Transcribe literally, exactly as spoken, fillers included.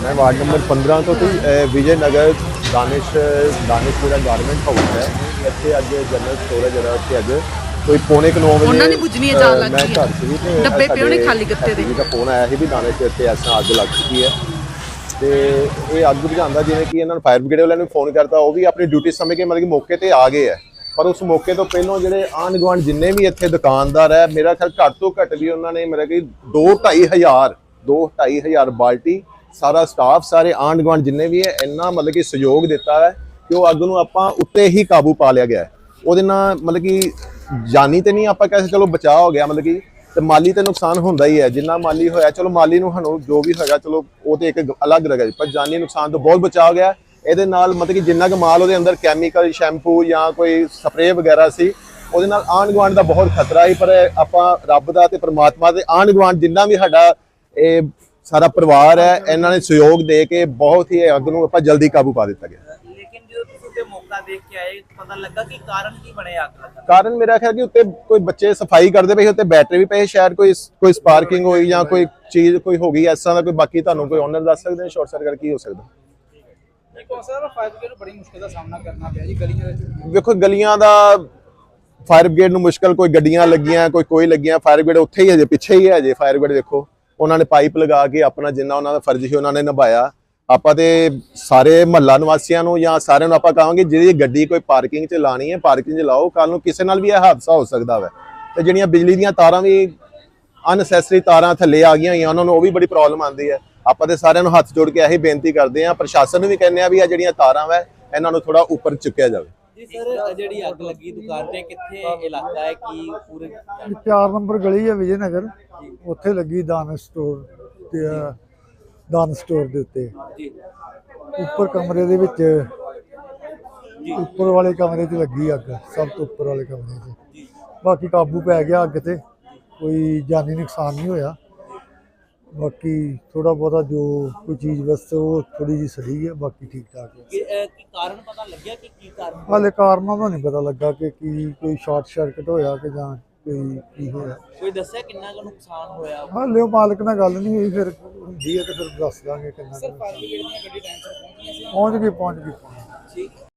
मैं ward number पंद्रह तो थी विजय नगर दानिश दानिशपुरा गारमेंट हाउस है ਇੱਥੇ ਅੱਜ ਜਨਰਲ ਸਟੋਰ ਹੈ ਜਿਹੜਾ ਉੱਥੇ ਅੱਜ ਕੋਈ ਪੌਣੇ ਨੌ ਵਜੇ ਉਹਨਾਂ ਨੇ ਬੁਝਣੀ ਹੈ ਜਾਣ ਲੱਗ ਮੈਂ ਗਈ ਘਰ ਸੀ ਤੇ ਡੱਬੇ ਪਏ ਹੋਣੇ ਖਾਲੀ ਗੱਤੇ ਦੇ ਦਾ ਫੋਨ ਆਇਆ ਸੀ ਵੀ ਦਾਨਿਸ਼ ਦੇ ਇੱਥੇ ਐਸਾ ਅੱਗ ਲੱਗ ਚੁੱਕੀ ਹੈ ਤੇ ਇਹ ਅੱਗ ਬੁਝਾਉਂਦਾ ਜਿਵੇਂ ਕਿ ਇਹਨਾਂ ਨੂੰ ਫਾਇਰ ਬ੍ਰਿਗੇਡ ਵਾਲਿਆਂ ਨੂੰ ਫੋਨ ਕਰਤਾ ਉਹ ਵੀ ਆਪਣੀ ਡਿਊਟੀ ਸਮਝ ਕੇ ਮਤਲਬ ਕਿ ਮੌਕੇ ਤੇ ਆ ਗਏ ਹੈ ਪਰ ਉਸ ਮੌਕੇ ਤੋਂ ਪਹਿਲਾਂ ਜਿਹੜੇ ਆਂਢ ਗੁਆਂਢ ਜਿੰਨੇ ਵੀ ਇੱਥੇ ਦੁਕਾਨਦਾਰ ਹੈ ਮੇਰਾ ਖਿਆਲ ਘੱਟ ਤੋਂ ਘੱਟ ਵੀ ਉਹਨਾਂ ਨੇ ਮੇਰਾ ਕਿ ਦੋ ਢਾਈ ਹਜ਼ਾਰ ਦੋ ਢਾਈ ਹਜ਼ਾਰ ਬਾਲਟੀ ਸਾਰਾ ਸਟਾਫ ਸਾਰੇ ਆਂਢ ਗੁਆਂਢ ਜਿੰਨੇ ਵੀ ਹੈ ਇੰਨਾ ਮਤਲਬ ਕਿ ਸਹਿਯੋਗ ਦਿੱਤਾ ਹੈ ਕਿ ਉਹ ਅੱਗ ਨੂੰ ਆਪਾਂ ਉੱਤੇ ਹੀ ਕਾਬੂ ਪਾ ਲਿਆ ਗਿਆ ਉਹਦੇ ਨਾਲ ਮਤਲਬ ਕਿ ਜਾਨੀ ਤੇ ਨਹੀਂ ਆਪਾਂ ਕਹਿ ਚਲੋ ਬਚਾਅ ਹੋ ਗਿਆ ਮਤਲਬ ਕਿ ਤੇ ਮਾਲੀ ਤੇ ਨੁਕਸਾਨ ਹੁੰਦਾ ਹੀ ਹੈ ਜਿੰਨਾ ਮਾਲੀ ਹੋਇਆ ਚਲੋ ਮਾਲੀ ਨੂੰ ਸਾਨੂੰ ਜੋ ਵੀ ਹੋਏਗਾ ਚਲੋ ਉਹ ਤੇ ਇੱਕ ਅਲੱਗ ਰਗਾ ਪਰ ਜਾਨੀ ਨੁਕਸਾਨ ਤੋਂ ਬਹੁਤ ਬਚਾਅ ਹੋ ਗਿਆ ਇਹਦੇ ਨਾਲ ਮਤਲਬ ਕਿ ਜਿੰਨਾ ਕੁ ਮਾਲ ਉਹਦੇ ਅੰਦਰ ਕੈਮੀਕਲ ਸ਼ੈਂਪੂ ਜਾਂ ਕੋਈ ਸਪਰੇਅ ਵਗੈਰਾ ਸੀ ਉਹਦੇ ਨਾਲ ਆਂਢ ਗੁਆਂਢ ਦਾ ਬਹੁਤ ਖਤਰਾ ਸੀ ਪਰ ਆਪਾਂ ਰੱਬ ਦਾ ਤੇ ਪ੍ਰਮਾਤਮਾ ਦੇ ਆਂਢ ਗੁਆਂਢ ਜਿੰਨਾ ਵੀ ਸਾਡਾ ਇਹ ਸਾਰਾ ਪਰਿਵਾਰ ਹੈ ਇਹਨਾਂ ਨੇ ਸਹਿਯੋਗ ਦੇ ਕੇ ਬਹੁਤ ਹੀ ਅੱਗ ਨੂੰ ਆਪਾਂ ਜਲਦੀ ਕਾਬੂ ਪਾ ਦਿੱਤਾ ਗਿਆ ਲੇਕਿਨ ਜਦੋਂ ਤੁਸੀਂ ਉੱਤੇ ਮੌਕਾ ਦੇਖ ਕੇ ਆਏ ਪਤਾ ਲੱਗਾ ਕਿ ਕਾਰਨ ਕੀ ਬਣਿਆ ਅੱਗ ਲੱਗਣ ਦਾ ਕਾਰਨ ਮੇਰਾ ਖਿਆਲ ਕਿ ਉੱਤੇ ਕੋਈ ਬੱਚੇ ਸਫਾਈ ਕਰਦੇ ਪਏ ਉੱਤੇ ਬੈਟਰੀ ਵੀ ਪਏ ਸ਼ਾਇਦ ਕੋਈ ਕੋਈ ਸਪਾਰਕਿੰਗ ਹੋਈ ਜਾਂ ਕੋਈ ਚੀਜ਼ ਕੋਈ ਹੋ ਗਈ ਐਸਾ ਦਾ ਕੋਈ ਬਾਕੀ ਤੁਹਾਨੂੰ ਕੋਈ ਓਨਰ ਦੱਸ ਸਕਦੇ ਨੇ ਸ਼ਾਰਟ ਸਰਕਟ ਕੀ ਹੋ ਸਕਦਾ ਦੇਖੋ ਸਰ ਫਾਇਰ ਬ੍ਰਿਗੇਡ ਨੂੰ ਬੜੀ ਮੁਸ਼ਕਿਲ ਦਾ ਸਾਹਮਣਾ ਕਰਨਾ ਪਿਆ ਜੀ ਗਲੀਆਂ ਵਿੱਚ ਵੇਖੋ ਗਲੀਆਂ ਦਾ ਫਾਇਰ ਬ੍ਰਿਗੇਡ ਨੂੰ ਮੁਸ਼ਕਲ ਕੋਈ ਗੱਡੀਆਂ ਲੱਗੀਆਂ ਕੋਈ ਕੋਈ ਲੱਗੀਆਂ ਫਾਇਰ ਬ੍ਰਿਗੇਡ ਉੱਥੇ ਹੀ ਹਜੇ ਪਿੱਛੇ ਹੀ ਹੈ ਹਜੇ ਫਾਇਰ ਬ੍ਰਿਗੇਡ ਦੇਖੋ ਉਹਨਾਂ ਨੇ ਪਾਈਪ ਲਗਾ ਕੇ ਆਪਣਾ ਜਿੰਨਾ ਉਹਨਾਂ ਦਾ ਫਰਜ਼ ਸੀ ਉਹਨਾਂ ਨੇ ਨਿਭਾਇਆ ਆਪਾਂ ਤੇ ਸਾਰੇ ਮਹੱਲਾ ਨਿਵਾਸੀਆਂ ਨੂੰ ਜਾਂ ਸਾਰਿਆਂ ਨੂੰ ਆਪਾਂ ਕਹਾਂਗੇ ਜਿਹੜੀ ਗੱਡੀ ਕੋਈ ਪਾਰਕਿੰਗ 'ਚ ਲਾਣੀ ਹੈ ਪਾਰਕਿੰਗ 'ਚ ਲਾਓ ਕੱਲ ਨੂੰ ਕਿਸੇ ਨਾਲ ਵੀ ਇਹ ਹਾਦਸਾ ਹੋ ਸਕਦਾ ਵਾ ਤੇ ਜਿਹੜੀਆਂ ਬਿਜਲੀ ਦੀਆਂ ਤਾਰਾਂ ਵੀ ਅਨਸੈਸਰੀ ਤਾਰਾਂ ਥੱਲੇ ਆ ਗਈਆਂ ਹੋਈਆਂ ਉਹਨਾਂ ਨੂੰ ਉਹ ਵੀ ਬੜੀ ਪ੍ਰੋਬਲਮ ਆਉਂਦੀ ਹੈ ਆਪਾਂ ਤੇ ਸਾਰਿਆਂ ਨੂੰ ਹੱਥ ਜੋੜ ਕੇ ਇਹੀ ਬੇਨਤੀ ਕਰਦੇ ਹਾਂ ਪ੍ਰਸ਼ਾਸਨ ਨੂੰ ਵੀ ਕਹਿੰਦੇ ਆ ਵੀ ਆ ਜਿਹੜੀਆਂ ਤਾਰਾਂ ਵਾ ਇਹਨਾਂ ਨੂੰ ਥੋੜਾ ਉੱਪਰ ਚੁੱਕਿਆ ਜਾਵੇ ਜੀ ਸਰ ਜਿਹੜੀ ਅੱਗ ਲੱਗੀ ਦੁਕਾਨ ਤੇ ਕਿੱਥੇ ਇਲਾਕਾ ਹੈ ਕੀ ਪੂਰੇ ਚਾਰ ਨੰਬਰ ਗਲੀ ਹੈ ਵਿਜੇ ਨਗਰ ਉੱਥੇ ਲੱਗੀ ਦਾਨ ਸਟੋਰ ਤੇ ਦਾਨ ਸਟੋਰ ਦੇ ਉੱਤੇ ਜੀ ਉੱਪਰ ਕਮਰੇ ਦੇ ਵਿੱਚ ਉੱਪਰ ਵਾਲੇ ਕਮਰੇ 'ਚ ਲੱਗੀ ਅੱਗ ਸਭ ਤੋਂ ਉੱਪਰ ਵਾਲੇ ਕਮਰੇ 'ਚ ਬਾਕੀ ਕਾਬੂ ਪੈ ਗਿਆ ਅੱਗ ਤੇ ਕੋਈ ਜਾਨੀ ਨੁਕਸਾਨ ਨਹੀਂ ਹੋਇਆ ਬਾਕੀ ਥੋੜਾ ਬਹੁਤਾ ਜੋ ਕੋਈ ਚੀਜ਼ ਵਸਤ ਉਹ ਥੋੜੀ ਜਿਹੀ ਸੜੀ ਹੈ ਬਾਕੀ ਠੀਕ ਠਾਕ ਹੈ ਕੀ ਕੀ ਕਾਰਨ ਪਤਾ ਲੱਗਿਆ ਕਿ ਕੀ ਕਾਰਨ ਹਾਲੇ ਕਾਰਨਾਂ ਦਾ ਨਹੀਂ ਪਤਾ ਲੱਗਾ ਕਿ ਕੀ ਕੋਈ ਸ਼ਾਰਟ ਸਰਕਟ ਹੋਇਆ ਕਿ ਜਾਂ ਕੋਈ ਕੀ ਹੋਇਆ ਕੋਈ ਦੱਸਿਆ ਕਿੰਨਾ ਕੁ ਨੁਕਸਾਨ ਹੋਇਆ ਹਾਲੇ ਉਹ ਮਾਲਕ ਨਾਲ ਗੱਲ ਨਹੀਂ ਹੋਈ ਫਿਰ ਹੁੰਦੀ ਹੈ ਤੇ ਫਿਰ ਦੱਸ ਦਾਂਗੇ ਕਿੰਨਾ ਸਰ ਫਾਇਰ ਬ੍ਰਿਗੇਡ ਦੀਆਂ ਗੱਡੀ ਟਾਈਮ ਸਿਰ ਪਹੁੰਚੀਆਂ ਸੀ ਪਹੁੰਚ ਗਈ ਪਹੁੰਚ ਗਈ ਠੀਕ